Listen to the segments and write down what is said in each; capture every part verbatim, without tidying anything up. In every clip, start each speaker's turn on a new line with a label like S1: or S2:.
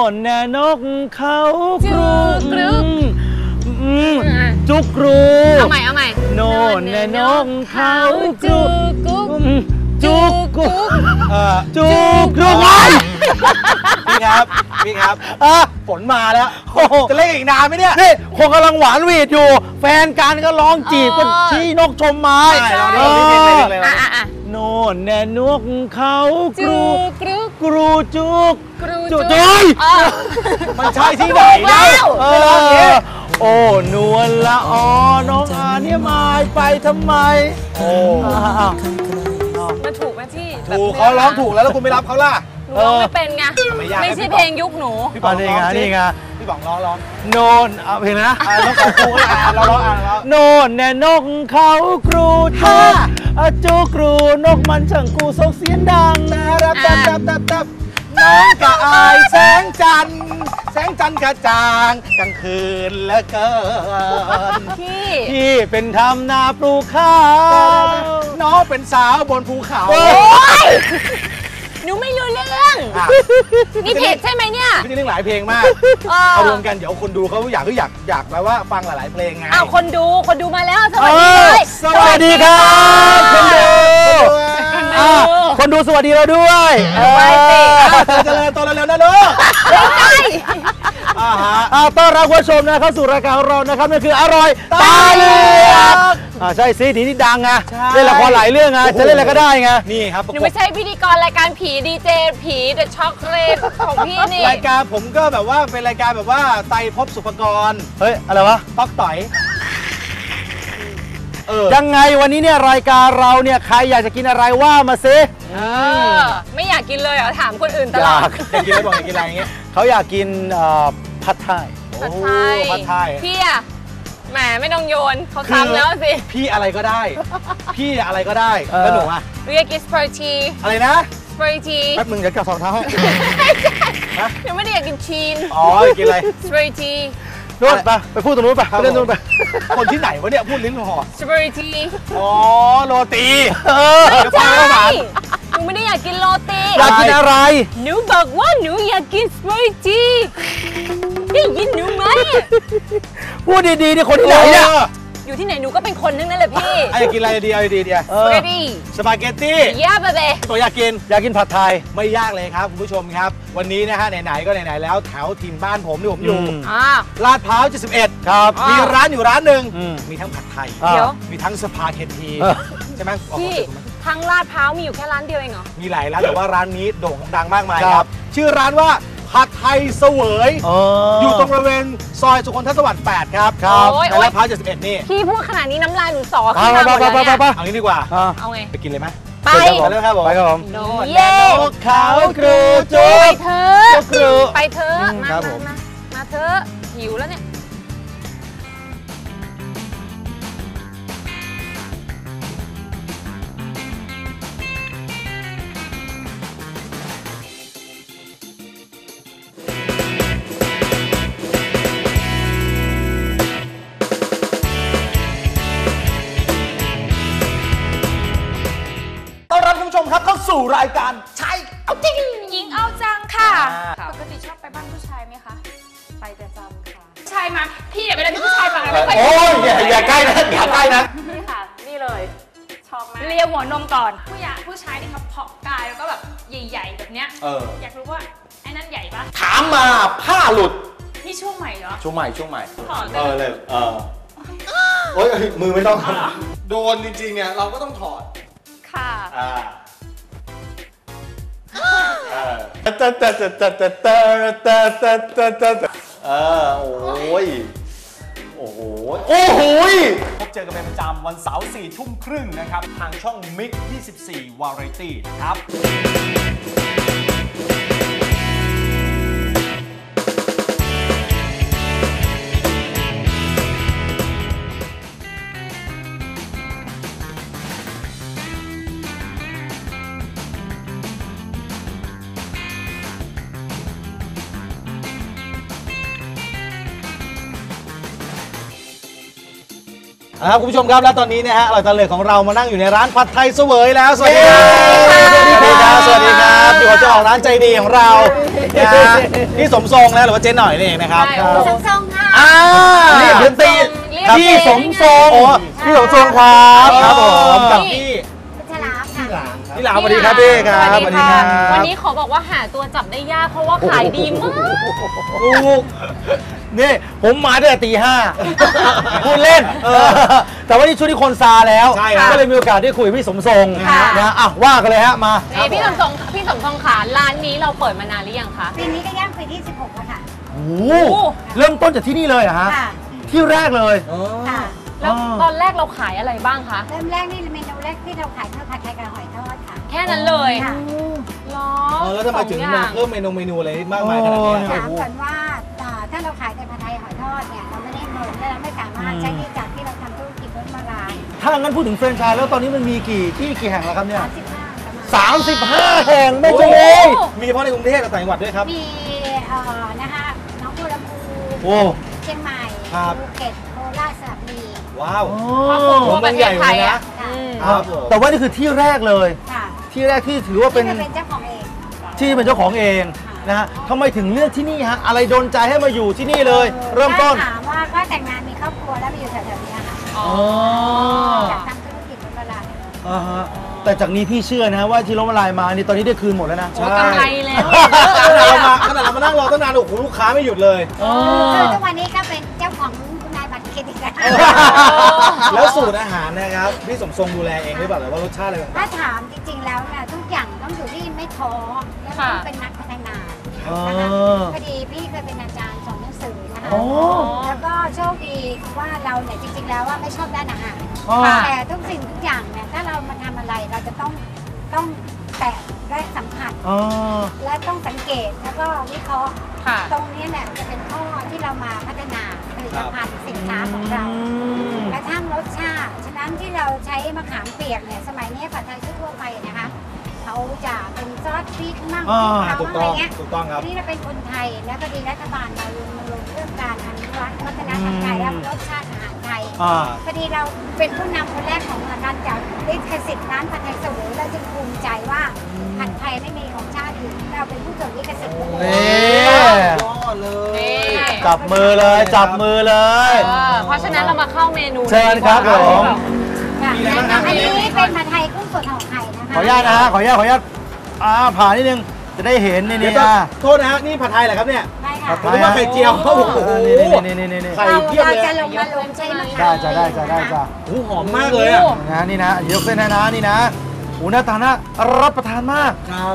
S1: นแน่นกเขากรูกรุกจุกรู
S2: เอาใหม่เอาใหม่
S1: โน่นแน่นกเขากรูกุ๊กจุกกุ๊กจุกกุ๊ก
S3: พี่ครับพี่ครับฝนมาแล้วจะเล่นอีกนานไหมเนี่ย
S1: นี่คนกำลังหวานหวีดอยู่แฟนกันก็ร้องจีบก็ชี้นกชมไม้โน่นแน่นกเขากรูกรุกรูจุกจุกจุย
S3: มันใช่ที่ไหนแล้ว
S1: โอ้นวลละออน้องอาเนี่ยมาไปทำไมโอ้
S2: มันถูกไหมที่
S3: ถูกเขาร้องถูกแล้วแล้วคุณไม่รับเขาล่ะ
S2: หนูร้องไม่เป็นไงไม่ใช่เพลงยุคหนู
S3: พี่บอกนี่ไงนี่ไงพี่บอกร้องร้อง
S1: โนนเอาเพลงนะ
S3: ต้องขอครูก็อ่านเราร้องอ่านแล้ว
S1: โนนแน่นกเขากรูจุกจุกรูนกมันช่างกูส่งเสียงดัง
S3: รับตับตับตับตับน้องกะอายแสงจันทร์แสงจันทร์กระจ่างกลางคืนแล้วเกิน
S2: พี่
S1: พี่เป็นทำนาปลูกข้าว
S3: น้องเป็นสาวบนภูเขา
S2: หนูไม่รู้เรื่องนี่เพจใช่ไหมเนี่ย
S3: พี่จะเล่นหลายเพลงมากเอารวมกันเดี๋ยวคนดูเขาอยากก็อยากอยากแปลว่าฟังหลายๆเพลงไง
S2: อ้าวคนดูคนดูมาแล้วสวัสดีเลย
S1: สวัสดีครับคนดูคนดูสวัสดีเราด้วย
S2: ไปสิ
S3: เจริญตัวเร็วๆนะลูก
S2: ใช่
S1: ต้อนรับผู้ชมนะเข้าสู่รายการของเรานะครับนั่นคืออร่อยตาเหลือกใช่สิทีนี้ดังไงเล่นละครหลายเรื่องไงจะเล่นอะไรก็ได้ไง
S3: นี่ครับ
S2: หนูไม่ใช่พิธีกรรายการผีดีเจผีเดอะช็อกโกแลตของพี่นี่
S3: รายการผมก็แบบว่าเป็นรายการแบบว่าไตภพสุภกร
S1: เฮ้ยอะไรวะ
S3: ต๊อกต่อย
S1: ยังไงวันนี้เนี่ยรายการเราเนี่ยใครอยากจะกินอะไรว่ามาซิ
S2: ไม่อยากกินเลยเหรอถามคนอื่นตลอด
S3: อยากกินอะไรบอกอยากกินอะไรอย่างเงี้ย
S1: เขาอยากกินผัดไทย
S2: ผัดไทย
S3: ผัดไทย
S2: พี่อะแหมไม่ต้องโยนเขาทำแล้วสิ
S3: พี่อะไรก็ได้พี่อะไรก็ได้แล้วหนูอะ
S2: หนูอยากกินสปาเกตตี
S3: อะไรนะ
S2: สปาเกตตี
S3: แป๊บนึงเดี๋ยวจับสองเท้าให้
S2: หนูไม่ได้อยากกินชีน
S3: อ๋อกินอะไร
S2: สปาเกตตี
S1: นู่นไปไปพูดตรงนู้นไปเล่นนู่นไป
S3: คนที่ไหนวะเนี่ยพูดลิ้นห่อ
S2: สปาเกตตี
S3: อ๋อโรตี
S2: ใช่หนูไม่ได้อยากกินโรตี
S1: อยากกินอะไร
S2: หนูบอกว่าหนูอยากกินสปาเกตตีได้ยินหนูไหม
S1: พูดดีๆนี่คนที่ไหนเนี่ย
S2: อยู่ที่ไหนหนูก็เป็นคนนึงนั่นแหละพี่
S3: อยากกินอะไรดีอะไรดีเดีย
S2: สปาเกตตี
S3: สปาเกตตี้
S2: ยาบะเบ
S3: ตัวอยากกิน
S1: อยากกินผัดไทย
S3: ไม่ยากเลยครับคุณผู้ชมครับวันนี้นะฮะไหนๆก็ไหนๆแล้วแถวถิ่นบ้านผมที่ผมอยู่ลาดพร้าวเจ็ดสิบเอ็ด
S1: ครับ
S3: มีร้านอยู่ร้านหนึ่งมีทั้งผัดไทยมีทั้งสปาเกตตีใช่ไหม
S2: พี่ทั้งลาดพร้าวมีอยู่แค่ร้านเดียวเองเหรอ
S3: มีหลายร้านแต่ว่าร้านนี้โด่งดังมากมายครับชื่อร้านว่าผัดไทยเสวยอยู่ตรงบริเวณซอยสุขนทสวัสดิ์แปดครับในลาดพร้าวเจ็ดสิบเอ็ดนี่
S2: พี่พูดขนาดนี้น้ำลายหนูสอขึ้นมาหมดแล้วเนี่ย
S3: เอางี้ดีกว่า
S2: เอาไง
S3: ไปกินเลยไหม
S2: ไป
S3: เลยครับผม
S1: ไปครับผม
S2: เย่
S3: ขาวกรูจุ
S2: ไปเถอะไปเถอะมามามาเถอะหิวแล้วเนี่ย
S3: ครับเข้าสู่รายการชายเอาจริง
S2: หญิงเอาจังค่ะ
S4: ปกติชอบไปบ้านผู้ชายไหมคะไปประจำค่ะชายมาพี่อย่าไปเลยผู้ชายมาไม่ค่อย
S3: โอ้ยอย่าอย่าใกล้นะอย่าใกล้นะ
S4: นี่ค่ะนี่เลยชอบมาก
S2: เลียหัวนมก่อน
S4: ผู้ใหญ่ผู้ชายที่เขาเพาะกายแล้วก็แบบใหญ่ๆแบบเนี้ยอยากรู้ว่าไอ้นั่นใหญ่ปะ
S3: ถามมาผ้าหลุด
S4: นี่ช่วงใหม่เหรอ
S3: ช่วงใหม่ช่วงใหม่
S4: ถอด
S3: เออเลยเออโอ้ยมือไม่ต้องโดนจริงๆเนี่ยเราก็ต้องถอด
S4: ค่ะ
S3: อ่าเออโอ้ยโอ้โหโอ้โหพบเจอกันเป็นประจำวันเสาร์สี่ทุ่มครึ่งนะครับทางช่อง มิกซ์ ยี่สิบสี่ Variety นะครับครับคุณผู้ชมครับและตอนนี้นะฮะเราตะเลิดของเรามานั่งอยู่ในร้านผัดไทยเสวยแล้วสวัสดีครับสวัสดีครับสวัสดีครับอยู่กับเจ้าของร้านใจดีของเรานะฮะพี่สมทรงนะหรือว่าเจ๊หน่อยนี่เองนะครับ
S2: ใช่โอ้
S4: สมทรงค่ะ
S3: อ่า
S1: เรียกเดี๋ยวตี
S2: เรียก
S1: พี่สมทรง
S3: โอ้พี่สมทรงครับครับผมกับพี่
S4: พัชราค่ะ
S3: พี่หลามสวัสดีครับพี่ครับ
S2: สวัสดีค่ะ
S3: บ
S2: วันนี้ขอบอกว่าหาตัวจับได้ยากเพราะว่าขายดีมาก
S1: ลูกนี่ผมมาตั้งแต่ตีห้าพูดเล่นเออแต่ว่านี่ช่วงที่คนซาแล้ว
S3: ใช่ครับ
S1: ก็เลยมีโอกาสได้คุยกับพี่สมทรง
S2: ค่ะ
S1: นะอ่ะว่ากันเลยฮะมา
S2: นี่พี่สมทรงพี่สมทรงขาร้านนี้เราเปิดมานานหรือยังคะ
S4: ปีนี้ก็ย่างปีที่สิบหกแล้วค่ะ
S1: โอ้โหเริ่มต้นจากที่นี่เลยเหรอฮะ
S4: ค่ะ
S1: ที่แรกเลย
S3: อ๋อ
S4: ค่ะ
S2: แล้วตอนแรกเราขายอะไรบ้างคะ
S4: เริ่มแรกนี่เมนูแรกที่เราขายคือผัดไทยกับหอยทอดค่ะ
S2: แค่นั้นเลย
S4: ค่ะ
S2: หรอ
S3: เออแล้วทำไมถึง
S2: สอ
S3: มา
S2: ย่า
S3: เพิ่มเมนูเมนูอะไรมากมายขนาดนี้
S4: ถามก่อนว่าอ่าถ้าเราขายแต่ผัดไทยหอยทอดเนี่ยเราไม่ได้เงินและเราไม่สามารถใช้หนี้จากที่เราทำธุรกิจรถมาลาย
S1: ถ้างั้นพูดถึงแฟรนไชส์แล้วตอนนี้มันมีกี่ที่กี่แห่งแล้วครับเนี่ย
S4: สามสิบห้าประมาณ
S1: สามสิบห้าแห่งไม่ใช่เอง
S3: มีเฉพาะในกรุงเทพกับต่างจังหวัดด้วยครับ
S4: มีเอ่อนะคะน้องบัวลำพู
S1: โอ้
S4: เชียงใหม่
S3: ครับ
S4: ภูเก็ตโคราชสระบุรี
S3: ว้าว
S2: ครอบคลุมทั่วประเทศไทยอ่ะ
S4: ค่ะ
S2: อืม
S3: ครับผม
S1: แต่ว่านี่คือที่แรกเลย
S4: ค่ะ
S1: ที่แรกที่ถือว่าเป็น
S4: ที่จะเป็นเจ้าของเอง
S1: ที่เป็นเจ้าของเองนะฮะทำไมถึงเลือกที่นี่ฮะอะไรโดนใจให้มาอยู่ที่นี่เลย เริ่มต้น
S4: ถ้าถามว่าก็แต่งงานมีครอบครัวแล้วมาอยู่แถวๆนี้ค่ะ
S2: อ๋อ
S4: อยากทำธุรกิจรถมาลาย
S1: อ่าฮะแต่จากนี้พี่เชื่อนะว่าที่ล้มละลายมานี่ตอนนี้ได้คืนหมดแล้วนะ
S2: โอ้กำไรแล้ว
S3: ขนาดเรามาขนาดเรามานั่งรอตั้งนานโอ้โหลูกค้าไม่หยุดเลย
S4: คือทุกวันนี้ก็เป็นเจ้าของคุณนายบัตรเครดิตแล้ว
S3: แล้วสูตรอาหารนะครับพี่สมทรงดูแลเองหรือเปล่าหรือว่ารสชาติอะไรต่าง
S4: ถ้าถามจริงๆแล้วเนี่ยทุกอย่างต้องอยู่ที่ไม่ท้อและต้องเป็นนักพัฒนา
S1: อ๋อ
S4: นะคะพอดีพี่เคยเป็นอาจารย์สอนหนังสือนะคะ
S1: โอ้
S4: แล้วก็โชคดีว่าเราเนี่ยจริงๆแล้วว่าไม่ชอบด้านอาหาร
S1: อ๋อ
S4: แต่ทุกสิ่งทุกอย่างเนี่ยถ้าเรามาทำอะไรเราจะต้องต้องแตะและสัมผัส
S1: อ๋อ
S4: และต้องสังเกตแล้วก็วิเคราะห์
S2: ค่ะ
S4: ตรงนี้เนี่ยจะเป็นข้อที่เรามาพัฒนาผลิตภัณฑ์สินค้าของเรา
S1: อืม
S4: กระทั่งรสชาติ ฉะนั้นที่เราใช้มะขามเปียกเนี่ยสมัยนี้ผัดไทยทั่วไปนะคะเขาจะเป็นซอสพริกมั่งพริก
S3: ๆ
S4: เขา
S3: ถูก
S4: อะไร
S3: ต้อง
S4: เงี้ย
S3: ถูกต้องครับ
S4: อันนี้เราเป็นคนไทยแล้วพอดีรัฐบาลมาลงมาลงเรื่องการอนุรักษ์วัฒนธรรมไทยและรสชาติอาหารไทย
S1: อ่า
S4: พอดีเราเป็นผู้นำคนแรกของการจัดลิขสิทธิ์ร้านผัดไทยเสวยเราจึงภูมิใจว่าผัดไทยไม่มีของชาติอื่นเราเป็นผู้จดลิขสิทธิ์หมดเลย
S1: นี่
S3: ยอดเลย
S2: นี่
S1: จับมือเลยจับมือเลย
S2: เออเพราะฉะนั้นเรามาเข้าเมนู
S1: เชิญครับผม
S4: ค่ะอันนี้เป็นผัดไทยกุ้งสดห่อไข่นะคะ
S1: ขออนุญาตนะฮะขออนุญาตขออนุญาตอ่าผ่านนิดนึงจะได้เห็นนี่
S3: เดี๋ย
S1: นี่
S3: วจะ
S1: อ่ะ
S3: โทษนะฮะนี่ผัดไทยเหรอครับเนี่ย
S4: ใช่ค่ะ
S3: ผมนึกว่าไข่เจียว
S1: โอ้
S3: โอ้
S1: โห
S3: โห
S1: นี่นี่นี่นี่นี่
S3: ไข่
S4: เรา
S3: เพียบ
S4: เรา
S3: เลย
S4: จะลงมาลงใช้มะ
S1: ได้
S4: ขาม
S1: จ้ะได้จ้ะได้จ้ะ
S3: โอ้โหหอมมากเลยอ่ะ
S1: นะนี่นะยกเส้นให้นะนี่นะโอ้หน้าตาน่ารับประทานมาก
S3: ครับ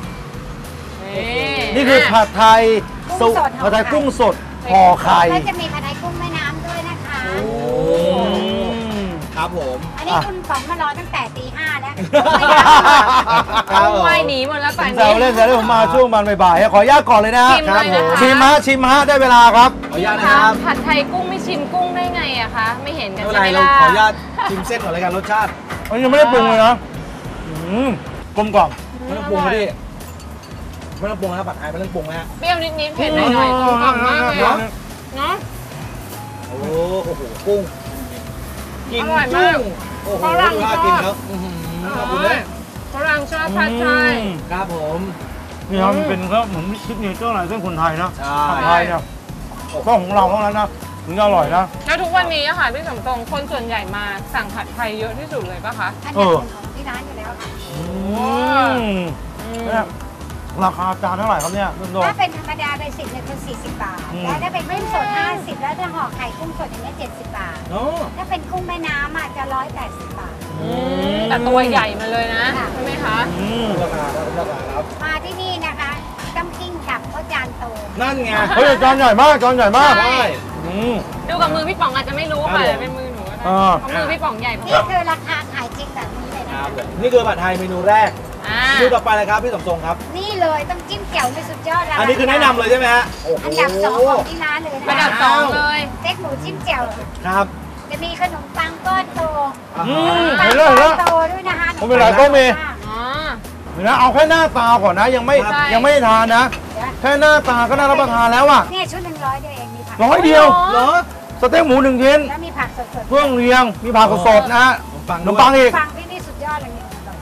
S1: นี่คือผัดไทยสุผัดไทยกุ้งสดห่อไข่
S4: แล้วจะมีผัดไทยกุ้งแม่น้ำด้วยนะคะ
S1: อืม
S3: ครับผม
S4: อันนี้คุณป๋องมารอตั้งแต่ตีห้าแล้ว
S2: เอาไว้หนีหมดแล้ว
S1: ผ
S2: ป่าน
S1: มแซ
S2: นี้
S1: วเล่นแซวเล่นผมมาช่วงมันบ่ายๆขออนุญาตก่อนเลยนะ
S2: ชิมเลยนะคะ
S1: ชิมฮะชิมฮะได้เวลาครับ
S3: ขออนุญาตนะครับ
S2: ผัดไทยกุ้งไม่ชิมกุ้งได้ไงอะคะ ไม่เห็นกั
S3: ไม่
S2: น
S3: เป็น
S2: ใช่
S3: ไร
S2: ไหม
S3: เรา
S2: ล่ะ
S3: ขออนุญาตชิมเส้นก่อนเลยกันรสชาติ
S1: อันนี้ยังไม่ได้ปรุงเลยนะอืมกลมกล่อม
S3: ไม่ต้องปรุงนะพี่ไม่ต้องปรุงนะครับผัดไทยไม่ต้องปรุงนะฮะ
S2: เปรี้ยวนิดๆเผ็ดหน่อยๆกลมกล่อมมากเลยอะเนาะ
S3: โอ้โอ้โหกุ้งกิน
S2: อร่อยมาก
S3: จุ้งโอ้โห
S2: ฝรั่ง
S3: ดู
S2: ช
S3: น่า
S2: อบ
S3: กินครับอื้อหือขอบคุณเลย
S2: ฝรั่งชอบผัดไทย
S1: อืม
S3: ครับผม
S1: นี่ครับมันเป็นก็เหมือนซิกเนเจอร์อะไรเส้นคนไทยนะ
S3: ใช่
S1: ผัดไทยเนี่ยต้องของเราเท่านั้นนะถึงจะอร่อยนะ
S2: แล้วทุกวันนี้อะค่ะพี่สมทรงคนส่วนใหญ่มาสั่งผัดไทยเยอะที่สุดเลยปะคะ
S4: อันนี้เป็นของที่ร้านอยู่แล้วค่ะ
S1: อืมเนี่ยราคาจานเท่าไหร่ครับเนี่ยคุณโด
S4: ถ้าเป็นธรรมดาเบสิกเนี่ยคือสี่สิบบาท
S1: อืม
S4: แล้วถ้าเป็นกุ้งสดห้าสิบแล้วถ้าห่อไข่กุ้งสดอย่างเงี้ยเจ็ดสิบบาท
S3: โอ้
S4: ถ้าเป็นกุ้งแม่น้ำอ่ะจะร้อยแปดสิบบาท
S2: อืมแต่ตัวใหญ่มาเลยนะ
S4: ค่ะ
S2: ใช่ไหมคะ
S1: อืม
S3: ราคาครับราคาครับ
S4: มาที่นี่นะคะต้องกิ้งกับเพราะจานโต
S3: นั่นไง
S1: เฮ้ยจานใหญ่มากจานใหญ่มาก
S2: ใช่
S1: อืม
S2: ดูกับมือพี่ป๋องอาจจะไม่รู้
S3: ครั
S2: ค่ะ
S3: บผม
S2: แต่เป็นมือหนูก็ได้
S1: อ่า
S2: เพราะมือพี่ป๋องใหญ่พอ
S4: นี่คือราคาขายจริงแบบนี้เลย
S3: ค
S4: นะ
S3: รับ
S4: คะ
S3: ผมนี่คือผัดไทยเมนูแรก
S2: อ่า
S3: เมนูต่อไปเลยครับพี่สมทรงครับ
S4: นี่เลยต้องจิ้มแจ่วในสุดยอดแล้ว
S3: อันนี้คือแนะนำเลยใช่ไหมฮะโอ้โห
S4: อันดับสองของที่ร้านเลยนะ
S2: ระดับ
S4: คะ
S2: สองเลย
S4: เต็กหมูจิ้มแจ่ว
S3: ครับ
S4: จะมีขนมปังก้อนโต
S1: อืม
S4: ปัง
S1: เห็นแล้ว
S4: ก้
S1: เห็น
S4: อ
S1: แล้ว
S4: นโตด้วยนะคะ
S1: ผมเป็นไรก็มี
S2: อ๋อ
S1: เดี๋ยวนะเอาแค่หน้าตาก่อนนะ ยังไม่
S2: ใช่
S1: ยังไม่ได้ทานนะ แค่หน้าตาก็น่ารับประทานแล้วอ่ะ
S4: เนี่ยชุดหนึ่งร้อยเดียวเองมีผัก
S1: ร้อยเดียว
S3: เหรอ
S1: สเต็กหมูหนึ่งชิ้น
S4: แล้วมีผักสด
S1: เครื่องเรียงมีผักสดๆนะฮะ
S3: ฟัง
S1: ขนมปังอีก
S4: ๆฟังที่นี่สุดยอดเลยเนี่ย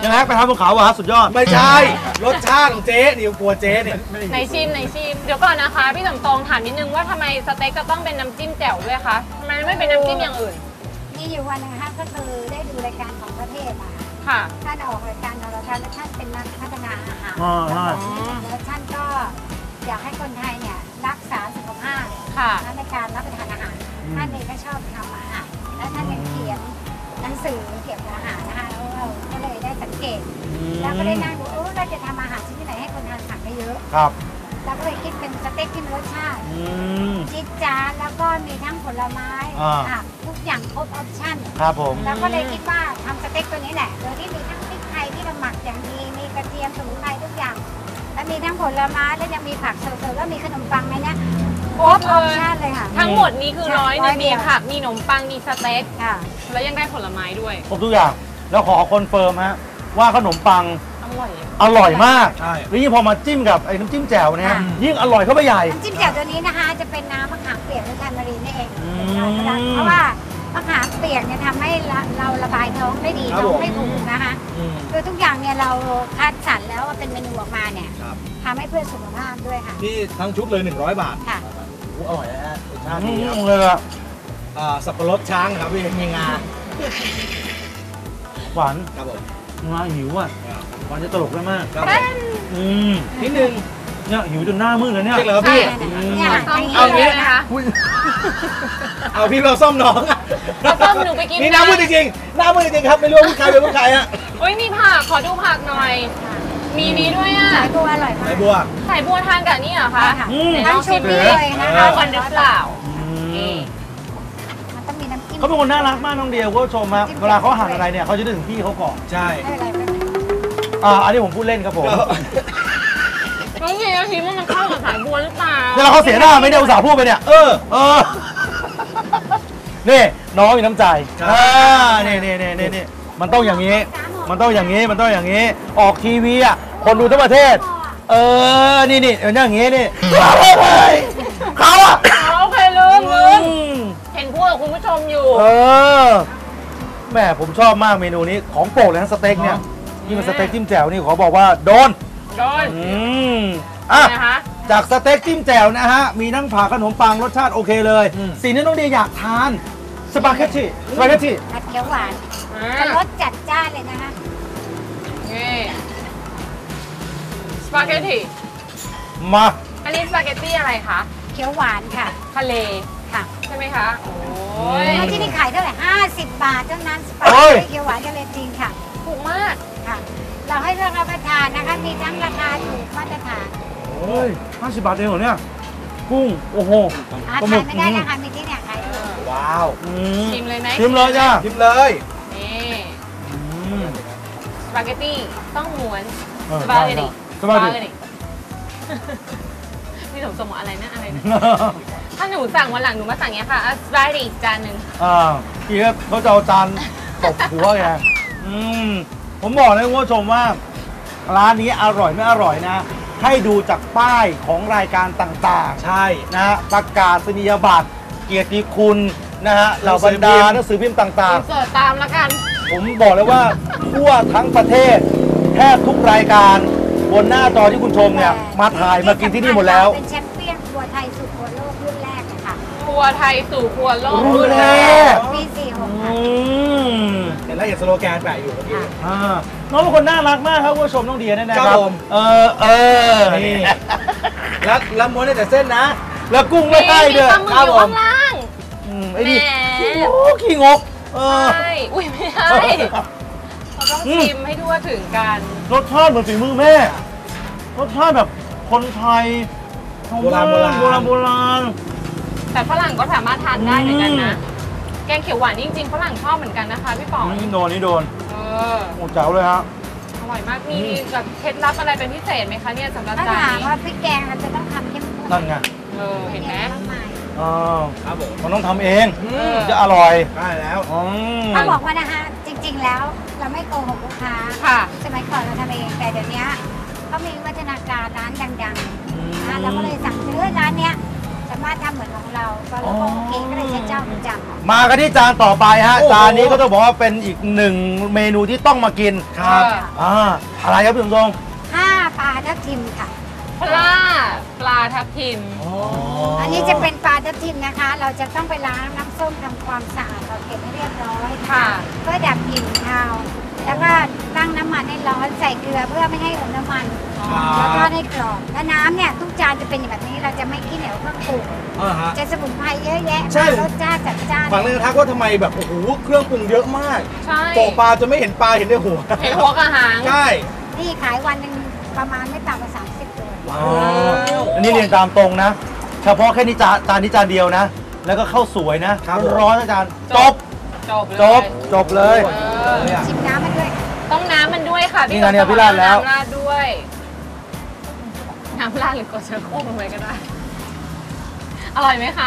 S1: ยังไงไปทำบนเขาอะครับสุดยอด
S3: ไม่ใช่รสชาติของเจ๊นี่กลัวเจ๊เนี่ย
S2: ในชิมในชิมเดี๋ยวก่อนนะคะพี่สมตองถามนิดนึงว่าทำไมสเต็กจะต้องเป็นน้ำจิ้มแจ่วด้วยคะทำไมไม่เป็นน้ำจิ้มอย่างอื่น
S4: มีอยู่วันหนึงนะคะก็คือได้ดูรายการของประเทศมา
S2: ค่ะ
S4: ท่านออกรายการโทรทัศน์และท่านเป็นนักพัฒนาอาหาร
S1: อ๋อใช่
S4: แล้วท่านก็อยากให้คนไทยเนี่ยรักษาสุขภาพ
S2: ค่ะ
S4: ในการรับประทานอาหาร ท่านเองก็ชอบทำอาหาร และท่านยังเขียนหนังสือเกี่ยวกับอาหารนะคะแล้วเราก็เลยได้สังเกต แล้วก็ได้นั่งดูเออเราจะทำอาหารชนิดไหนให้คนทานผักได้เยอะ
S1: ครับ
S4: เราก็เลยคิดเป็นสเต็กที่มีรสชาติ
S1: อืม
S4: จิ๊ดจ๊าดแล้วก็มีทั้งผลไม้
S1: อ่า
S4: ผักทุกอย่างครบออปชั่น
S1: ครับผม
S4: เราก็เลยคิดว่าทำสเต็กตัวนี้แหละ โดยที่มีทั้งพริกไทยที่เราหมักอย่างดี มีกระเทียมสมุนไพรทุกอย่าง และมีทั้งผลไม้และยังมีผักสดๆแล้วมีขนมปังในเนี้ยครบออปชั่นเลยค่ะ
S2: ทั้งหมดนี้คือ
S4: ใช่
S2: ร้อยหนึ่ง
S4: ร้อยเดี
S2: มี
S4: ยว
S2: ผักมีขนมปังมีสเต็ก
S4: ค่ะ
S2: แล้วยังได้ผลไม้ด้วย
S1: ครบทุกอย่างแล้วขอคอนเฟิร์มฮะว่าขนมปัง
S2: อร่อย
S1: อร่อยมาก
S3: ใช่
S1: แล้วยิ่งพอมาจิ้มกับไอ้น้ำจิ้มแจ่วเนี่ย
S4: ค่ะ
S1: ยิ่งอร่อยเข้าไปใหญ่
S4: น้ำจิ้มแจ่วตัวนี้นะคะ จะเป็นน้ำมะขามเปียกหรือแทนมารีนนี่เอง
S1: อืม
S4: เพราะว่ามะขามเปียกเนี่ยทำให้เราเราระบายท้องได้ดี
S3: ครับ
S4: ท้อง
S3: ผม
S4: ไม่ผูกนะคะ
S3: อืม
S4: คือทุกอย่างเนี่ยเราคัดสรรแล้วว่าเป็นเมนูออกมาเนี่ย
S3: ครับ
S4: ทำให้เพื่อสุขภาพด้วยค่ะ
S3: นี่ทั้งชุดเลยหนึ่งร้อยบาท
S4: ค่ะ
S3: โอ้อร่อยนะฮะรสชาติ
S1: อื
S3: ดีครับ
S1: มเลยอะ
S3: อ่าสับปะรดช้างครับพี่มีงา
S1: หวาน
S3: ครับผม
S1: งาหิวอ่ะหวานจะตลกได้มาก
S3: ครับผม
S1: อืม
S3: นิดนึง
S1: เนี่ยหิวจนหน้ามืดเลยเนี่ย
S3: จริงเหรอพี่
S4: เนี่ย
S2: ต้อง
S4: ย่
S2: เอา
S4: ง
S2: เล
S4: นี้
S2: ยนะคะ
S1: อุ้ย
S3: เอาพี่เราซ่อมน้อง
S2: เอาส้มหนูไปกิน
S3: นี่หน้ามืดจริงๆหน้ามืดจริงๆครับไม่รู้ว่าผู้ชายเป็นผู้ชายฮะ
S2: โอ้ยมีผักขอดูผักหน่อย มีนี้ด้วยอ่ะ
S4: สายบัวอร่อยมา
S3: ไอ้
S4: ก
S3: บัว
S2: ใส่บัวทานกับนี่เหรอคะ
S4: ค่ะ
S1: อืม
S2: ไหนล
S4: ทั้ง
S2: อง
S4: ชุ
S2: ชิ
S4: ด
S2: ม
S4: นี้
S2: ดิ
S4: เลยนะ
S2: เข้า
S4: คะ
S2: กันหรือเปล่า นี่
S4: มันต้องมีน้ำจิ้ม
S1: เขาเป็นคนน่ารักมากน้องเดียวคุณผู้ชมครับเวลาเขาหั่นอะไรเนี่ยเขาจะนึกถึงพี่เขาก่อน
S3: ใช่
S4: ไม่เป็นไรไม่เป็นไร
S1: อ่าอันนี้ผมพูดเล่นครับผม
S2: น้องเฮียชิมว่ามันเข้ากับสายบัวหรือเปล่า
S1: เนี่ยเราเขาเสียหน้าไม่ได้อุตส่าห์พูดไปเนี่ย
S3: เออ
S1: เออ นี่น้องมีน้ำใจ
S3: ใช่
S1: อ่านี่นี่นี่นี่นี่มันต้องอย่างนี้ มันต้องอย่างนี้ มันต้องอย่างนี้ ออกทีวีอ่ะ คนดูทั้งประเทศ เออ นี่นี่เอออย่างงี้นี่เขาอ่ะ
S2: โอเคลืมลืม
S1: อืม
S2: เห็นพูดกับคุณผู้ชมอยู่
S1: เออแหม่ผมชอบมากเมนูนี้ ของโปรดเลยนะสเต็กเนี่ยนี่มันสเต็กจิ้มแจ่วนี่ขอบอกว่าโดน
S2: โดน
S1: อืมอ่ะ
S2: นะคะ
S1: จากสเต็กจิ้มแจ่วนะฮะ มีทั้งผักขนมปังรสชาติโอเคเลย
S3: อืม
S1: สิ่งที่น้องเดียอยากทาน สปาเกตตี้สปาเกตตี้
S4: ผัดเขียวหวาน
S2: อ่า
S4: จะรสจัดจ้านเลยนะคะ
S2: นี่สปาเกตตี้
S1: มา
S2: อันนี้สปาเกตตี้อะไรคะ
S4: เขียวหวานค่ะ
S2: ทะเล
S4: ค่ะ
S2: ใช่ไหมคะ โอ้ย
S4: แล้วที่นี่ขายเท่าไหร่ห้าสิบบาทเท่านั้นสปา
S1: โอ้
S4: เกต
S1: ย
S4: ตี้เขียวหวานทะเลจริงค่ะ
S2: ถูกมาก
S4: ค่ะ เราให้เลือกรับประทานนะคะ มีทั้งราคาถูกมาตรฐาน
S1: โอ้ยห้าสิบบาทเองเหรอเนี่ย กุ้ง โอ้โห
S4: หา
S1: ปลาหมึ
S4: ทาก นไม่ได้นะคะ มีที่เนี่ยขายถูก
S3: ว้าว
S1: อืม
S2: ชิมเลยไหม
S1: ชิมเลยจ้า
S3: ชิมเลย
S2: นี่
S1: อืม
S2: สปาเกตตี้ต้องม้วน
S1: เออ
S2: สปาเกตตี้
S1: สปาเกตตี้
S2: พี่สมสมบอกอะไรนะอะไรนะ ถ้าหนูสั่งวันหลังหนูมาสั่งเงี้ยค่ะสปาเกตตี้จานหนึ่ง
S1: อ่าพี่ก็เขาจะเอาจานตบหัวแกอืมผมบอกนะคุณผู้ชมว่า ร้านนี้อร่อยไม่อร่อยนะ ให้ดูจากป้ายของรายการต่าง
S3: ใช่
S1: ๆนะฮะประกาศนียบัตรเกียรติคุณนะฮะเหล่าบรรดาหนังสือพิมพ์ต่าง
S2: อินเสิร์ตตามแล้วกัน
S1: ๆ ผมบอกเลยว่า ทั่วทั้งประเทศ แทบทุกรายการบนหน้าจอที่คุณชมเนี่ย มาถ่ายมากินที่นี่หมดแล้ว
S4: เป็นแชมเปี้ยนครัวไทยสู่ครัวโลกรุ่นแรกเลยค่ะ
S2: ครัวไทยสู่ครัวโลก
S1: รุ่นแรก
S4: ปีสี่หก
S1: อื
S4: ค่ะ
S1: ม
S3: เห็นแล้วเห็นสโลแกนแปะอยู่เมื่อกี้
S1: อ่าน้องเป็นคนน่ารักมากครับคุณผู้ชมน้องเดียเนี่ยนะค
S3: ครั
S1: รับบ
S3: ผม
S1: เออเออ
S3: นี่
S1: นี่
S3: แล้วแล้วม้วนได้แต่เส้นนะ
S1: แล้วกุ้งไม่ให้
S2: มี
S1: ด้วย
S2: ปลาหมึกอยู่ข้างล่าง
S1: อืมไอ้นี่
S2: แหม
S1: โอ้ขี้งกเออ
S2: ใช่ อุ้ยไม่ใช่เราต้องชิมให้ทั่วถึงกัน
S1: รสชาติเหมือนฝีมือแม่ รสชาติแบบคนไทยชาว
S3: โบราณ
S1: บ้น
S3: โบ
S1: โบ
S3: รา
S1: รา
S3: ณ
S1: ณโบราณ
S2: แต่ฝรั่งก็สามารถทานได้เหมือนกันนะ
S1: อืม
S2: แกงเขียวหวานนี่จริงๆฝรั่งชอบเหมือนกันนะคะพี่ป๋อง
S1: นี่โดนนี่โดน
S2: เออ
S1: โอ้เจ๋วเลยฮะ
S2: อร่อยมาก มีแบบเคล็ดลับอะไรเป็นพิเศษไหมคะเนี่ยสำหรับ
S4: ถ้า
S2: จาน
S4: ถาม
S2: นี้
S4: ว่าพริกแกงเราจะต้องทำเข้มข้น
S1: นั่นไง
S2: เออ เห็นไหม
S4: มากมาย
S1: อ๋อ
S3: ครับผม
S1: มันต้องทำเอง
S3: อื
S2: เอ
S3: ม
S2: อ
S1: จะอร่อย
S3: ได้แล้ว
S1: อืม
S4: ถ้าบอกว่านะคะจริง ๆ แล้วเราไม่โกหกลูกค้า
S2: ค่ะ
S4: สมัยก่อนเราทำเองแต่เดี๋ยวนี้เขามีวัฒนาการร้านดังๆนะเราก็เลยสั่งซื้อร้านเนี้ยสามารถทำเหมือนของเราก็เราก็โอเคก็เลยใช้เจ้าประจำ
S1: มากันที่จานต่อไปฮะ
S3: โอ้โห
S1: จานนี้ก็ต้องบอกว่าเป็นอีกหนึ่งเมนูที่ต้องมากิน
S3: ครับ
S1: อ่าอะไรครับพี่สมทรง
S4: ห้าปลาทับทิมค่ะ
S2: ปลาปลาทับทิม
S4: อันนี้จะเป็นปลาทับทิมนะคะ เราจะต้องไปล้างน้ำส้มทำความสะอาดเราเก็บให้เรียบร้อยค่ะ เพื่อดับกลิ่นคาว แล้วก็ตั้งน้ำมันให้ร้อนใส่เกลือเพื่อไม่ให้อมน้ำมัน แล้วก็ให้กรอบแล้วน้ำเนี่ยทุกจานจะเป็นแบบนี้เราจะไม่ขี้เหนียวเครื่องปรุง
S3: อ่าฮะ
S4: จะสมุนไพรเยอะแยะ
S3: ใช่
S4: รสชาติจัดจ้าน
S3: ฟังเลยนะครับว่าทำไมแบบโอ้โหเครื่องปรุงเยอะมาก
S2: ใช่
S3: โปะปลาจะไม่เห็นปลาเห็นแต่หัว
S2: เห็นหัวกระหาง
S3: ใช่
S4: นี่ขายวันหนึ่งประมาณไม่ต่ำกว่าสามสิบตัว
S1: อ๋ออันนี้เรียนตามตรงนะ เฉพาะแค่นี้จานจานนี้จานเดียวนะ แล้วก็ข้าวสวยนะร้อนๆนะจานจบ
S2: จบเลย
S1: จบจบเลย
S2: เออ
S4: ชิมน้ำมาด้วย
S2: ต้องน้ำมันด้วยค่ะ
S1: นี่ไงเนี่ยพี่ราดแล้ว
S2: น้ำราดด้วย น้ำราดหรือกดเชื้อโคลงไปก็ได้ อร่อยไหมคะ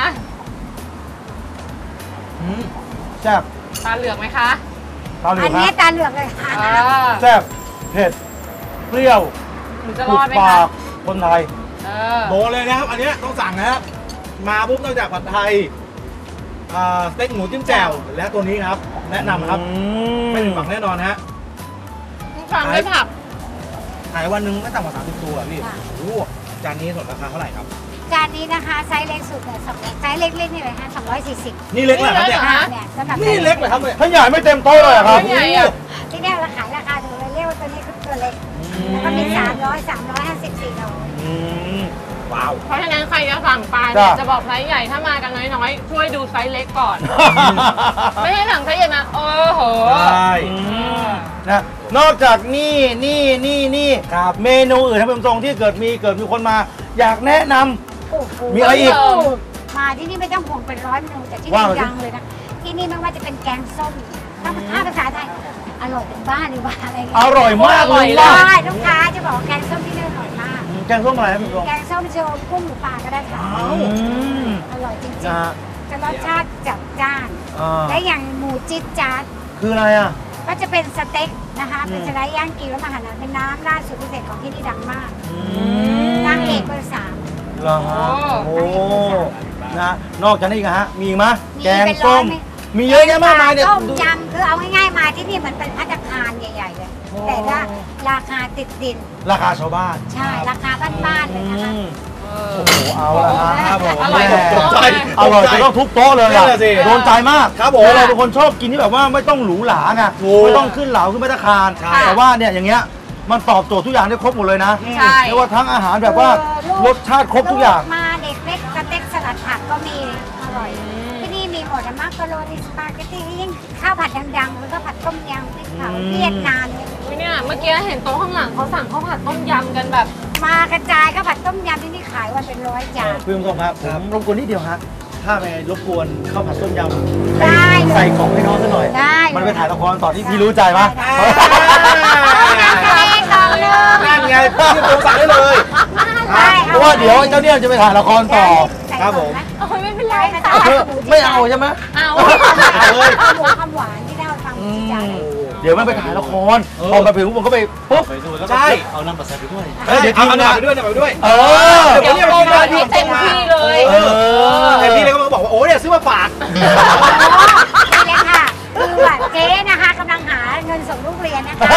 S1: อืมแซ่บ
S2: ตาเหลือกไหมคะ
S1: ตาเหลื
S4: อั
S1: อน ก
S4: นี้
S1: ฮะ
S4: ตาเหลือกเลยค่ะ
S2: อ่า
S1: แซ่บเผ็ดเปรี้ยว
S2: หนูจะร
S1: ถู
S2: อก ดไหม
S1: ปา
S2: คะ
S1: กคนไทย
S2: เออ
S3: โดนเลยนะครับ อันเนี้ยต้องสั่งนะครับ มาปุ๊บนอกจากผัดไทยอ่าสเต็กหมูจิ้มแจ่วและตัวนี้ครับ แนะนำครับ
S1: อื
S3: ไม่ผิดหวังแน่นอนฮะ
S2: ทำด้วยผัก
S3: ขายวันหนึงไม่ต่ำกว่าสามสิบตัวพี่โอ้โหจานนี้สนราคาเท่าไหร่ครับ
S4: จานนี้นะคะไซส์เล็กสุดเนี่ยสองไซส์เล็กๆนี่เลยฮะสองร้อยสี่สิบ
S3: นี่เล็กเหรอครับเนี่ย
S2: ฮะ
S4: เนี่ยสำหรับ
S3: นี่เล็กเหรอครับเนี่ย
S1: ถ้าใหญ่ไม่เต็มโต๊ะเลยเหรอครับ
S2: ไม่ใหญ่อะ
S4: ที่เนี่ยเราขายราคาถูกเลยเรียกว่าตัวนี้คือตัวเล็ก แล้วก็มีสามร้อย สามร้อยห้าสิบ สี่ร้อย
S1: อืม
S3: ว้าว
S2: เพราะฉะนั้นใครจะสั่งปลา
S1: จ้ะ
S2: เนี่ยจะบอกไซส์ใหญ่ถ้ามากันน้อยๆ ช่วยดูไซส์เล็กก่อน ไม่ให้สั่งไซส์ใหญ่มาโอ้โห
S3: ใช่
S1: อืมนะนอกจากนี่นี่นี่นี่
S3: ครับ
S1: เมนูอื่นท่านผู้ชมที่เกิดมีเกิดมีคนมา อยากแนะนำ
S4: โอ้โห
S1: มีอะไรอีก
S4: มาที่นี่ไม่ต้องห่วงเป็นร้อยเมนูแต่ที่
S1: ว่า
S4: นี่
S1: มาสิ
S4: ดังเลยนะ ที่นี่ไม่ว่าจะเป็นแกงส้มถ้าถ้าภาษาไทยอร่อยเป็นบ้านหรือว่าอะไร
S1: อ
S4: เงี้ย
S1: ร่อยมากเลย
S2: อร่
S1: ว่า
S2: อย
S4: ใช่ลูกค้าจะบอกว่าแกงส้มที่นี่อร่อยมาก
S1: แกงส้มอะไรครับท่านผู้ชม
S4: แกงส้มโชว์กุ้งหมูปลาก็ได้ค่ะ
S1: อืม
S4: อร่อยจริง
S1: นะฮะ
S4: ๆจะรสชาติจัดจ้าน
S1: อ่า
S4: และอย่างหมูจิ๊ดจ๊าด
S1: คืออะไรอ่ะ
S4: ก็จะเป็นสเต็กนะคะ
S1: อืม
S4: เป็นสไลด์ย่างกิวแล้วมาหั่นเป็นน้ำราดสูตรพิเศษของที่นี่ดังมาก
S1: อืม
S4: นางเอกเบอร์สาม
S1: เหรอฮะ
S2: โอ้
S1: โอ้นะนอกจากนี้อีกอะฮะมีอีกไหม
S4: มี
S1: แกง
S4: เป็นร้
S1: ส้
S4: อย
S1: ม
S4: ไหม
S1: มีเยอะแยะมากมายเนี่ย
S4: ต้ม
S1: ดู
S4: ยำคือเอาง่ายๆมาที่นี่เหมือนเป็นภัตตาคารใหญ่ๆเลย แต่ว่าราคาติดดิน
S1: ราคาชาวบ้าน
S4: ใช่ ราคาบ้านๆเลยนะคะ
S1: อืม
S2: เอ
S1: โอ้
S2: อ
S1: โหเอาละฮะ
S3: ครับผม
S2: อร่อย
S1: แม่
S2: ทุกโต๊ะเลย
S1: อร่อยจะต้องทุกโต๊ะเลย
S3: นั่
S1: อะ
S3: นแหละสิ
S1: โดนใจมาก
S3: ครับผม
S1: เราเป็นคนชอบกินที่แบบว่าไม่ต้องหรูหราไง
S3: ถูก
S1: ไม่ต้องขึ้นเหลาขึ้นมาตรคาร
S3: ใช่
S1: แต่ว่าเนี่ยอย่างเงี้ยมันตอบโจทย์ทุกอย่างได้ครบหมดเลยนะ
S2: ใช่
S1: เรียกว่าทั้งอาหารแบบว่า
S4: เออลูก
S1: รสชาติครบทุกอย่าง
S4: ลูมาเด็กเล็กสเต็กสลัดผักก็มีอร่อย ที่นี่มีหมดอะมักกะโรนีสปาเกตตี้ยิ่งข้าวผัดดังๆแล้วก็ผัดต้มยำพริกเผา
S1: อืม
S4: เวียดนามเนี่ย
S2: อุ๊ยเนี่ยเมื่อกี้เห็นโต๊ะข้างหลังเขาสั่งข้าวผัดต้มยำกันแบบ
S4: มากระจายข้าวผัดต้มยำที่นี่ขายวันเป็นร้อยจาน
S1: พี่ผู้ชมครับผมรบกวนนิดเดียวฮะถ้าไปรบกวนข้าวผัดต้มยำ
S4: ได้
S1: ใส่กล่องให้น้องซะหน่อย
S4: ได้เลย
S1: มันไปถ่ายละครต่อที่พี่รู้ใจปะ
S4: ต้มยำทะเลกล่องหนึง
S3: นั่นไงพี่ตัวสั่งได้เลย
S4: ได้
S1: เพราะว่าเดี๋ยวเจ้าเนี่ยจะไปถ่ายละครต่อ
S3: ครับผม
S2: โอ้ยไม่เป็นไร
S4: ได้
S2: ค่ะ
S4: ค่ะ
S1: เออไม่เอาใช่ไหม
S2: เอา
S4: เอาเลยข้าวหมูความหวานที่ได้ฟัง
S1: อื
S4: จาน
S1: มเดี๋ยวมันไปถ่ายละครพอมาถึงผมก็ไปปุ๊บ
S3: ใช่
S1: เอาน้ำมาใส่ไปด้วย
S3: เดี๋ยวทีมงานไปด้วยนะไปด้วย
S1: เออ
S2: เดี๋ยวโปรโมทให้เต็มที่เลย
S1: เออ
S3: แต่พี่เลยก็มาบอกว่าโอ้เนี่ยซื้อมาฝาก
S4: นี่เลยค่ะคือว่าเจ๊นะคะกำลังหาเงินส่งลูกเรียนนะคะ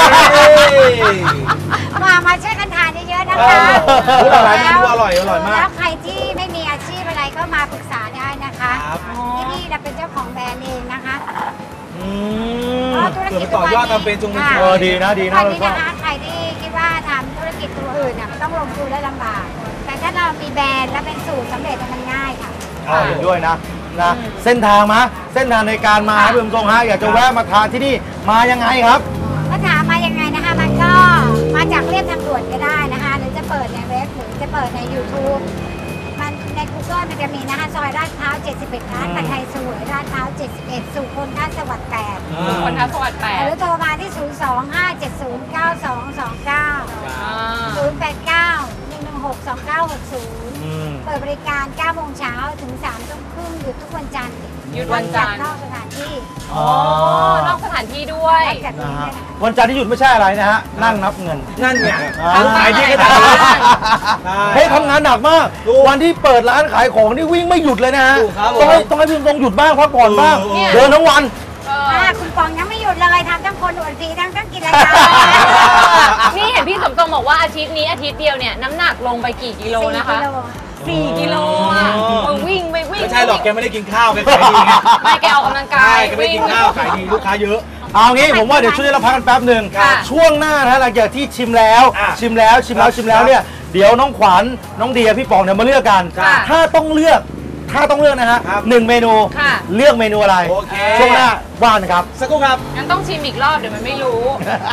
S4: มามาช่วยกันทานเยอะๆนะคะ
S3: พูดอะไรเมนูอร่อยอร่อยมาก
S4: แล้วใครที่ไม่มีอาชีพอะไรก็มาปรึกษาได้นะคะ
S3: ครับ
S4: ที่นี่เราเป็นเจ้าของแบรนด์เองนะคะ
S1: อืม
S4: เพราะธุรกิจ
S3: เผื่อไปต่อยอดทำเป็นจงเป็น
S4: ค่ะ
S1: เออดีนะดีนะ
S4: วันนี้นะคะใครที่คิดว่าทำธุรกิจตัวอื่นน่ะมันต้องลงทุนและลำบาก แต่ถ้าเรามีแบรนด์และเป็นสูตรสำเร็จมันง่ายค่ะ
S1: เอาเห็นด้วยนะนะเส้นทางมาเส้นทางในการมาครับพี่ผู้ชมฮะอยากจะแวะมาทานที่นี่มายังไงครับ
S4: ถ้าถามมายังไงนะคะ มันก็มาจากเรียบทางด่วนก็ได้นะคะ หรือจะเปิดในเว็บหรือจะเปิดใน YouTube มันใน Google มันจะมีนะคะซอยลาดพร้าวเจ็ดสิบเอ็ดร้านผัดไทยสวยลาดพร้าวเจ็ดสิบเอ็ดสุขนท่าสวัสดิ์แปด
S2: คนทัศสวัสดิ์แปด
S4: หรือโทรมาที่ ศูนย์ สอง ห้า เจ็ด ศูนย์ เก้า สอง สอง เก้า
S2: อ่า
S4: ศูนย์ แปด เก้า หนึ่ง หนึ่ง หก สอง เก้า หก ศูนย์
S1: อืม
S4: เปิดบริการเก้าโมงเช้าถึงสามทุ่มครึ่งหยุดทุกวันจันทร์
S2: หยุดวันจันทร์
S4: นอกสถานที่
S1: อ๋อ
S2: นอกสถานที่ด้วยด้วย
S4: จัด
S1: นะ
S4: นี้
S1: ฮะ
S4: ด้วยนะ
S1: วันจันทร์ที่หยุดไม่ใช่อะไรนะฮะนั่งนับเงิน
S3: นั่นไง
S1: อ่า
S3: ทำขายดีขนาดนี้ใช่
S1: เฮ้ยทำงานหนักมาก
S3: ถูก
S1: วันที่เปิดร้านขายของนี่วิ่งไม่หยุดเลยนะฮะ
S3: ถูกครับ
S1: ต้องให้
S3: ผม
S1: ต้องให้พี่ตรงหยุดบ้างพักผ่อนบ้าง
S3: เออ
S1: เดินทั้งวัน
S2: เออ
S4: อ่าคุณปองยังไม่หยุดเลยทำทั้งคนอวดผีทั้งทั้งกินรายการ
S2: นี่เห็นพี่สมทรงบอกว่าอาทิตย์นี้อาทิตย์เดียวเนี่ยน้ำหนักลงไปกี่กิโลนะคะสี่กิโลอ่ะ
S3: อ๋อ
S2: เออวิ่งไปวิ่ง
S3: ไม่ใช่หรอกแกไม่ได้กินข้าวแกขายดีไง
S2: ไม่แกออกกำลังกา
S3: ใช่
S2: ย
S3: แกไม่ได้กินข้าวขายดีลูกค้าเยอะ
S1: เอางี้ผมว่าเดี๋ยวช่วยเราพักกันแป๊บหนึ่ง
S2: ค่ะ
S1: ช่วงหน้านะหลังจากที่ชิมแล้ว
S3: อ่ะ
S1: ชิมแล้วชิมแล้ว
S3: ครับ
S1: ชิมแล้วเนี่ยเดี๋ยวน้องขวัญน้องเดียพี่ปองเนี่ยมาเลือกกัน
S3: ค่ะ
S1: ถ้าต้องเลือกถ้าต้องเลือกนะฮะ
S3: ครับ
S1: หนึ่งเมนู
S2: ค่ะ
S1: เลือกเมนูอะไร
S3: โอเค
S1: ช่วงหน้าว่านครับ
S3: สักครู่ครับ
S2: งั้นต้องชิมอีกรอบเดี๋ยวมันไม่รู้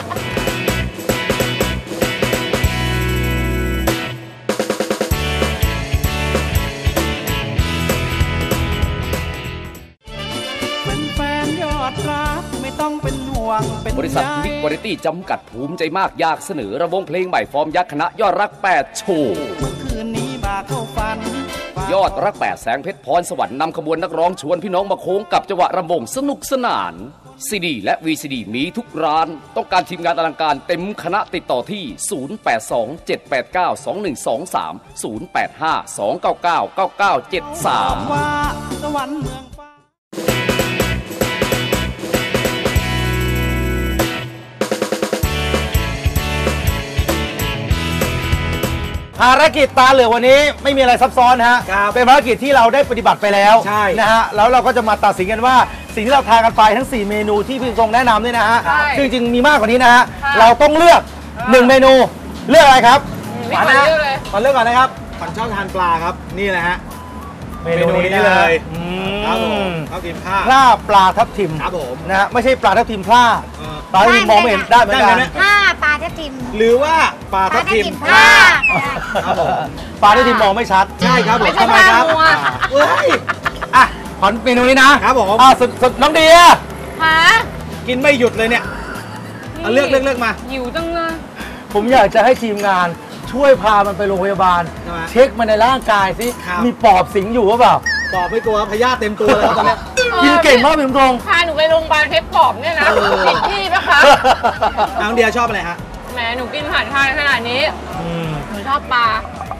S5: เป็นแฟนยอดรักไม่ต้องเป็นห่วงเป็น
S6: บริษัท
S5: ใย
S6: วิกวาไรตี้จำกัดภูมิใจมากอยากเสนอระวงเพลงใหม่ฟอร์มยักษ์คณะยอดรักแปดโชว์
S5: เมื่อคืนนี้มาเข้าฝัน
S6: ยอดรักแปดแสงเพชรพรสวรรค์นำขบวนนักร้องชวนพี่น้องมาโค้งกับจังหวะรำวงสนุกสนานซีดีและ วี ซี ดี มีทุกร้าน ต้องการทีมงานอลังการเต็มคณะติดต่อที่ ศูนย์ แปด สอง เจ็ด แปด เก้า สอง หนึ่ง สอง สาม ศูนย์ แปด ห้า สอง เก้า เก้า เก้า เก้า เจ็ด สาม
S5: ว่าสวรรค์เมืองฟ้า
S1: ภารกิจตาเหลือกวันนี้ไม่มีอะไรซับซ้อนฮะ
S3: ครับ
S1: เป็นภารกิจที่เราได้ปฏิบัติไปแล้ว
S3: ใช่
S1: นะฮะ แล้วเราก็จะมาตัดสินกันว่าสิ่งที่เราทานกันไปทั้ง สี่ เมนูที่พี่ทรงแนะนำเนี่ยนะฮะ
S2: ใช่
S1: ซึ่งจริงๆมีมากกว่านี้นะฮะ
S2: ค่ะ
S1: เราต้องเลือกหนึ่งเมนู เลือกอะไรครับ
S2: ไม่ขอเลือกเลย
S3: ขอเลือกก่อนนะครับขวัญชอบทานปลาครับ นี่แหละฮะ
S1: เมนูนี้
S3: เมนูนี้เลย
S1: อื
S3: ครับผม
S1: ม
S3: ข้าวกินข้าว
S1: พร่าปลาทับทิม
S3: ครับผม
S1: นะฮะไม่ใช่ปลาทับทิมพร่า
S3: เออ
S1: ปลาทับทิมมองไม่เห็นได้เหมือนกัน
S3: ได้ไหม
S4: ผ้าปลาทับทิม
S3: หรือว่าปลา
S4: ป
S3: ทั
S4: ลา
S3: บ
S4: ทับ
S3: ทิม
S4: ทิมผ้าก็ได้
S3: ครับผม
S1: ปลาทับทิมมองไม่ชัด
S3: ใช่ครับผม
S2: ไม่ใช่
S3: ทำไมครับ
S2: ปลามัว
S3: เฮ้ย
S1: อ่ะขอเมนูนี้นะครับ
S3: ผม
S1: อ่ะสุดสุดน้องเดีย
S2: หา
S3: กินไม่หยุดเลยเนี่ยเอาเลือกเลือกเลือกมา
S2: หิวจังเลย
S1: ผมอยากจะให้ทีมงานช่วยพามันไปโรงพยาบาล
S3: ใช่ไหม
S1: เช็คมันในร่างกายสิ
S3: ครับ
S1: มีปอบสิงอยู่หรือเปล่า
S3: ตอบไม่กลัวพยาธิเต็มตัวเลยครับตอนเนี้ย
S1: กินเก่งมากพี่ตรง
S2: พาหนูไปโรงพยาบาลเพชรปอบเนี่ยนะ
S3: เออ
S2: ผิดที่ปะคะ
S3: น้องเดียชอบอะไรฮะ
S2: แหมหนูกินอาหารไทยขนาดนี้
S1: อืม
S2: หนูชอบปลา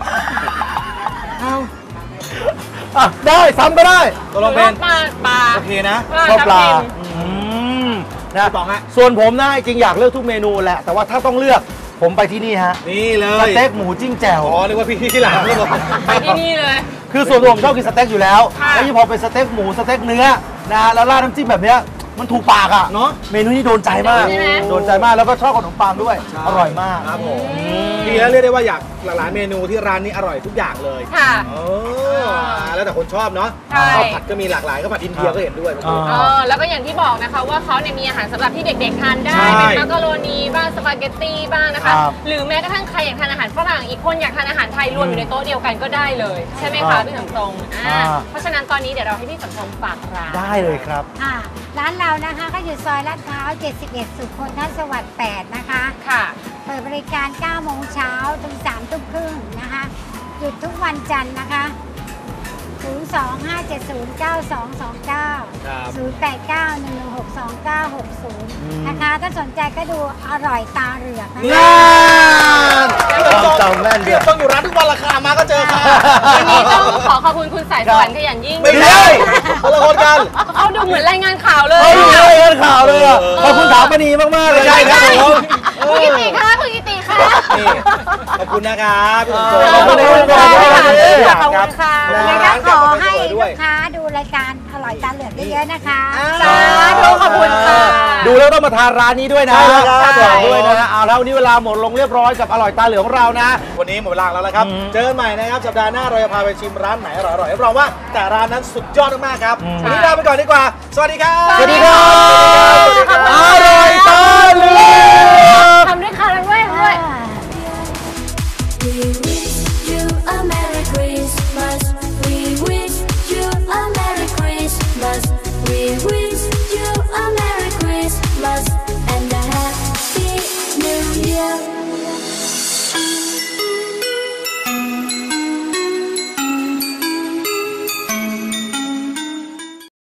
S1: อ่ะได้ซ้ำก็ได้
S3: ตกลงเป็น
S2: ปลาปลา
S3: โอเคนะ
S1: ชอบปลา
S2: ทับทิม
S1: อืมนะ
S3: พี่ป๋องฮะ
S1: ส่วนผมนะจริงอยากเลือกทุกเมนูแหละ แต่ว่าถ้าต้องเลือกผมไปที่นี่ฮะ
S3: นี่เล
S1: ส
S3: ย
S1: เต็กหมูจิ้งแจ่ว
S3: อ๋อนึกว่าพี่ที่หลังครับผม
S2: ไปที่นี่เลย
S1: คือส่วนตัวผมชอบกินสเต็กอยู่แล้ว
S2: ค่ะ
S1: แล้วยิ่งพอเป็นสเต็กหมูสเต็กเนื้อนะแล้วราดน้ำจิ้มแบบเนี้ยมันถูกปากอ่ะ
S3: เนาะ
S1: เมนูนี้โดนใจมาก
S2: ใช่ไหม
S1: โดนใจมากแล้วก็ชอบขนมปังด้วย อร่อยมาก
S3: ครับผมดีแล้วเรียกได้ว่าอยากหลายๆเมนูที่ร้านนี้อร่อยทุกอย่างเลย
S2: ค่ะ
S3: เออแล้วแต่คนชอบเนาะ
S2: ใช่
S3: ข้าวผัดก็มีหลากหลายข้าวผัดอินเดียก็เห็นด้วย
S1: อ่า
S2: เออแล้วก็อย่างที่บอกนะคะว่าเขาเนี่ยมีอาหารสำหรับที่เด็กๆทานได้
S3: ใช่
S2: เป็นมักกะโรนีบ้างสปาเกตตี้บ้างนะคะ
S1: ครับ
S2: หรือแม้กระทั่งใครอยากทานอาหารฝรั่งอีกคนอยากทานอาหารไทยรวมอยู่ในโต๊ะเดียวกันก็ได้เลย ใช่ไหม
S1: ครั
S2: คะ
S1: บ
S2: พี่สมทรงอ่า
S1: อ่า
S2: เพราะฉะนั้นตอนนี้เดี๋ยวเราให้พี่สมทรงฝากร้าน
S1: ได้เลยครับ
S4: อ่าร้านเรานะคะก็อยู่ซอยลาดพร้าว เจ็ดสิบเอ็ด สุขนทสวัสดิ์ แปด นะคะ
S2: ค่ะ
S4: เปิดบริการ เก้า โมงเช้าถึง สาม ทุ่มครึ่งนะคะ หยุดทุกวันจันทร์นะคะ ศูนย์ สอง ห้า เจ็ด ศูนย์ เก้า สอง สอง เก้า
S3: ครับ
S4: ศูนย์ แปด เก้า หนึ่ง หนึ่ง หก สอง เก้า หก ศูนย์ นะคะ ถ้าสนใจก็ดูอร่อยตาเหลือกนะ
S3: น่า
S1: นความจำแม่นเดี
S3: เดี๋
S1: ย
S3: ยว วต้องอยู่ร้านทุกวันราคามาก็เจอค่ะ
S2: วันนี้ต้องขอขอบคุณคุณสายสวรรค์ขยันยิ่ง
S3: ไม่ใช่คนละคนกัน
S2: เขาดูเหมือนรายงานข่าวเลย
S1: เฮ้ย
S2: อะ
S1: เฮ้ยเห็นข่าวเลยอ่ะ
S3: เออ
S1: ขอบคุณถามมณีมากๆเลย
S3: ไม่ใช่ครับผม
S2: คุณกิติคะคุณกิติคะ
S3: นี่ขอบคุณนะครับพี่สมโช
S1: ขอบคุณครับ
S2: ขอบคุณค่ะ
S3: ค
S2: ขอบ
S3: รั
S2: คุ
S3: บ
S2: ณค่ะ
S4: ยังไงก็ขอให้
S3: ด้
S4: ลู
S3: วย
S4: กค้าดูรายการอร่อยตาเหลือกเยอะๆนะคะ
S2: สาธุขอบคุณค่ะ
S1: ดูแล้วต้องมาทานร้านนี้ด้วยนะ
S3: ใช่แล้วครับ
S1: บอกด้วยนะเอาแล้ววันนี้เวลาหมดลงเรียบร้อยกับอร่อยตาเหลืองของเรานะ
S3: วันนี้หมดเวลาแล้วนะครับ
S1: อืม
S3: เจอกันใหม่นะครับสัปดาห์หน้าเราจะพาไปชิมร้านไหนอร่อยๆรับรองว่าแต่ร้านนั้นสุดยอดมากๆครับ
S1: อืม
S3: วันนี้ลาไปก่อนดีกว่า สวัสดีครับ
S1: สวัสดีครับ
S3: สวัสดีครับ
S1: อร่อยตาเหลือก
S2: ทำด้วยค่ะทำด้วยทำด้วย
S7: We wish you a Merry Christmas. We wish you a Merry Christmas. We wish